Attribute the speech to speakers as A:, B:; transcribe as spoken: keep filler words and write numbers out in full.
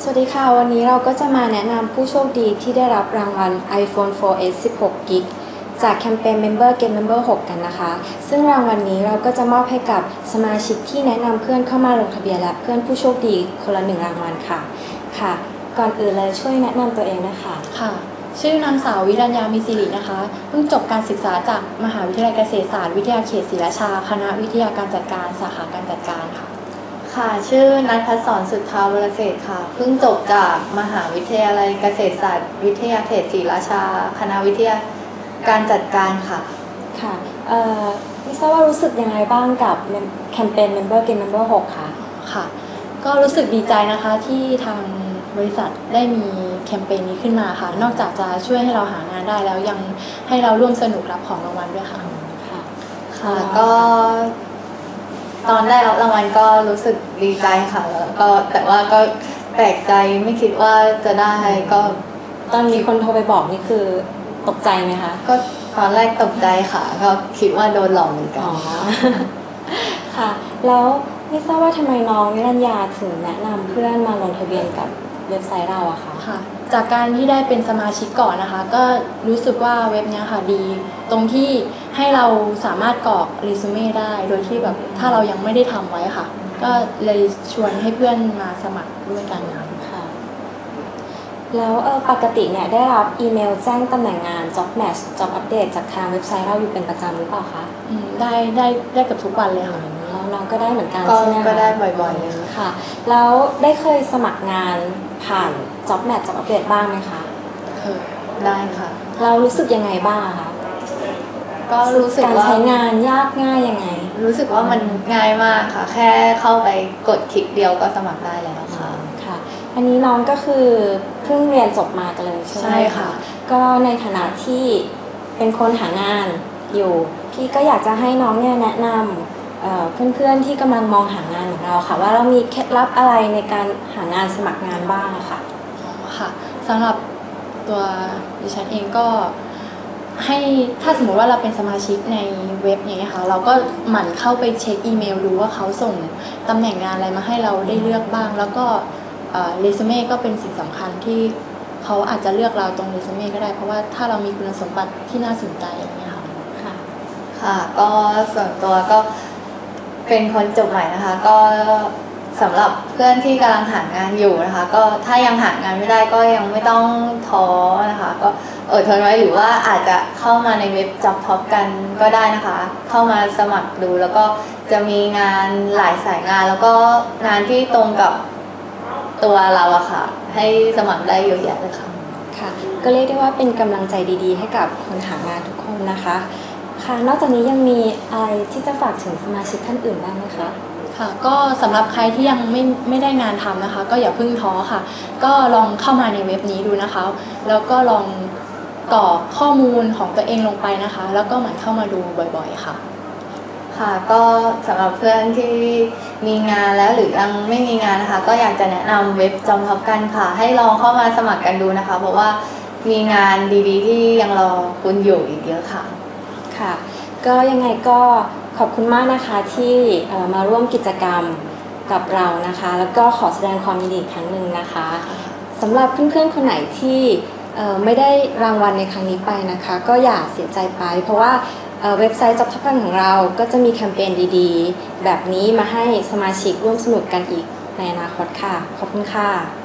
A: สวัสดีค่ะวันนี้เราก็จะมาแนะนำผู้โชคดีที่ได้รับรางวัล iPhone โฟร์ เอส สิบหก กิก จากแคมเปญ Member Get Member หก กันนะคะซึ่งรางวัลนี้เราก็จะมอบให้กับสมาชิกที่แนะนำเพื่อนเข้ามาลงทะเบียนและเพื่อนผู้โชคดีคนละหนึ่งรางวัลค่ะค่ะก่อนอื่นเลยช่วยแนะนำตัวเองนะคะ
B: ค่ะชื่อนางสาววิรัญญามีศิรินะคะเพิ่งจบการศึกษาจากมหาวิทยาลัยเกษตรศาสตร์วิทยาเขตศรีราชาคณะวิทยาการจัดการสาขาการจัดการค่ะ
C: ค่ะชื่อนัทพัฒน์สอนสุทธาวรเศรษฐ์ค่ะเพิ่งจบจากมหาวิทยาลัยเกษตรศาสตร์วิทยาเขตศรีราชาคณะวิทยาการจัดการค่ะ
A: ค่ะเอ่อไม่ทราบว่ารู้สึกยังไงบ้างกับแคมเปญ Member Get Member หกค่ะ
B: ค่ะก็รู้สึกดีใจนะคะที่ทางบริษัทได้มีแคมเปญนี้ขึ้นมาค่ะนอกจากจะช่วยให้เราหางานได้แล้วยังให้เราร่วมสนุกรับของรางวัลด้วยค่ะ
C: ค่ะค่ะก็ตอนได้รับรางวัลก็รู้สึกดีใจค่ะแล้วก็แต่ว่าก็แปลกใจไม่คิดว่าจะได้ก็
A: ตอนมีคนโทรไปบอกนี่คือตกใจไหมคะ
C: ก็ตอนแรกตกใจค่ะก็คิดว่าโดนหลอกเหมือนกัน
A: ค่ะแล้วไม่ทราบว่าทำไมน้องวิรัญญาถึงแนะนำเพื่อนมาลงทะเบียนกับเว็บไซต์เราอะคะ
B: ค่ะจากการที่ได้เป็นสมาชิกก่อนนะคะก็รู้สึกว่าเว็บนี้ค่ะดีตรงที่ให้เราสามารถกรอกเรซูเม่ได้โดยที่แบบถ้าเรายังไม่ได้ทำไว้ค่ะก็เลยชวนให้เพื่อนมาสมัครด้วยกัน
A: ค่ะแล้วเออปกติเนี่ยได้รับอีเมลแจ้งตำแหน่งงาน job match job update จากทางเว็บไซต์เราอยู่เป็นประจำหรือเปล่าคะ
B: อืมได้ได้ได้กับทุกวันเลยค่ะ
A: แล้วน้องก็ได้เหมือนกันใช่ไหมคะ
C: ก็ได้บ่อยๆเลย
A: ค่ะแล้วได้เคยสมัครงานผ่าน job match job update บ้างไหมคะ
C: เคยได้ค่ะ
A: เรารู้สึกยังไงบ้างคะ
C: ก็รู้สึกว่า
A: การใช้งานยากง่ายยังไง
C: รู้สึกว่ามันง่ายมากค่ะแค่เข้าไปกดคลิกเดียวก็สมัครได้แล้วค่ะ
A: ค่ะอันนี้น้องก็คือเพิ่งเรียนจบมากันเลยใช่ไหม
C: ใช่ค่ะ
A: ก็ในฐานะที่เป็นคนหางานอยู่พี่ก็อยากจะให้น้องเนี่ยแนะนำเพื่อนๆที่กำลังมองหางานของเราค่ะว่าเรามีเคล็ดลับอะไรในการหางานสมัครงานบ้างค่ะ
B: ค่ะสำหรับตัวดิฉันเองก็ให้ถ้าสมมติว่าเราเป็นสมาชิกในเว็บอย่างเงี้ยค่ะเราก็หมั่นเข้าไปเช็คอีเมลดูว่าเขาส่งตำแหน่งงานอะไรมาให้เราได้เลือกบ้างแล้วก็เรซูเม่ก็เป็นสิ่งสำคัญที่เขาอาจจะเลือกเราตรงเรซูเม่ก็ได้เพราะว่าถ้าเรามีคุณสมบัติที่น่าสนใจอย่างเงี้ยค่ะ
C: ค่ะค่ะก็ส่วนตัวก็เป็นคนจบใหม่นะคะก็สำหรับเพื่อนที่กำลังหางานอยู่นะคะก็ถ้ายังหางานไม่ได้ก็ยังไม่ต้องท้อนะคะก็อดทนไว้หรือว่าอาจจะเข้ามาในเว็บ Job Top กันก็ได้นะคะเข้ามาสมัครดูแล้วก็จะมีงานหลายสายงานแล้วก็งานที่ตรงกับตัวเราอะค่ะให้สมัครได้เยอะแยะเลยค่ะ
A: ค่ะก็เรียกได้ว่าเป็นกำลังใจดีๆให้กับคนหางานทุกคนนะคะค่ะนอกจากนี้ยังมีอะไรที่จะฝากถึงสมาชิกท่านอื่นบ้างไหมคะ
B: ค่ะก็สำหรับใครที่ยังไม่ไม่ได้งานทำนะคะก็อย่าเพิ่งท้อค่ะก็ลองเข้ามาในเว็บนี้ดูนะคะแล้วก็ลองกรอกข้อมูลของตัวเองลงไปนะคะแล้วก็หมั่นเข้ามาดูบ่อยๆค่ะ
C: ค่ะก็สำหรับเพื่อนที่มีงานแล้วหรือยังไม่มีงานนะคะก็อยากจะแนะนำเว็บจอมท็อปกันค่ะให้ลองเข้ามาสมัครกันดูนะคะเพราะว่ามีงานดีๆที่ยังรอคุณอยู่อีกเยอะค่ะ
A: ค่ะก็ยังไงก็ขอบคุณมากนะคะที่มาร่วมกิจกรรมกับเรานะคะแล้วก็ขอแสดงความยินดีอีกครั้งหนึ่งนะคะสำหรับเพื่อนๆคนไหนที่ไม่ได้รางวัลในครั้งนี้ไปนะคะก็อย่าเสียใจไปเพราะว่าเว็บไซต์ Job Top ของเราก็จะมีแคมเปญดีๆแบบนี้มาให้สมาชิกร่วมสนุกกันอีกในอนาคตค่ะขอบคุณค่ะ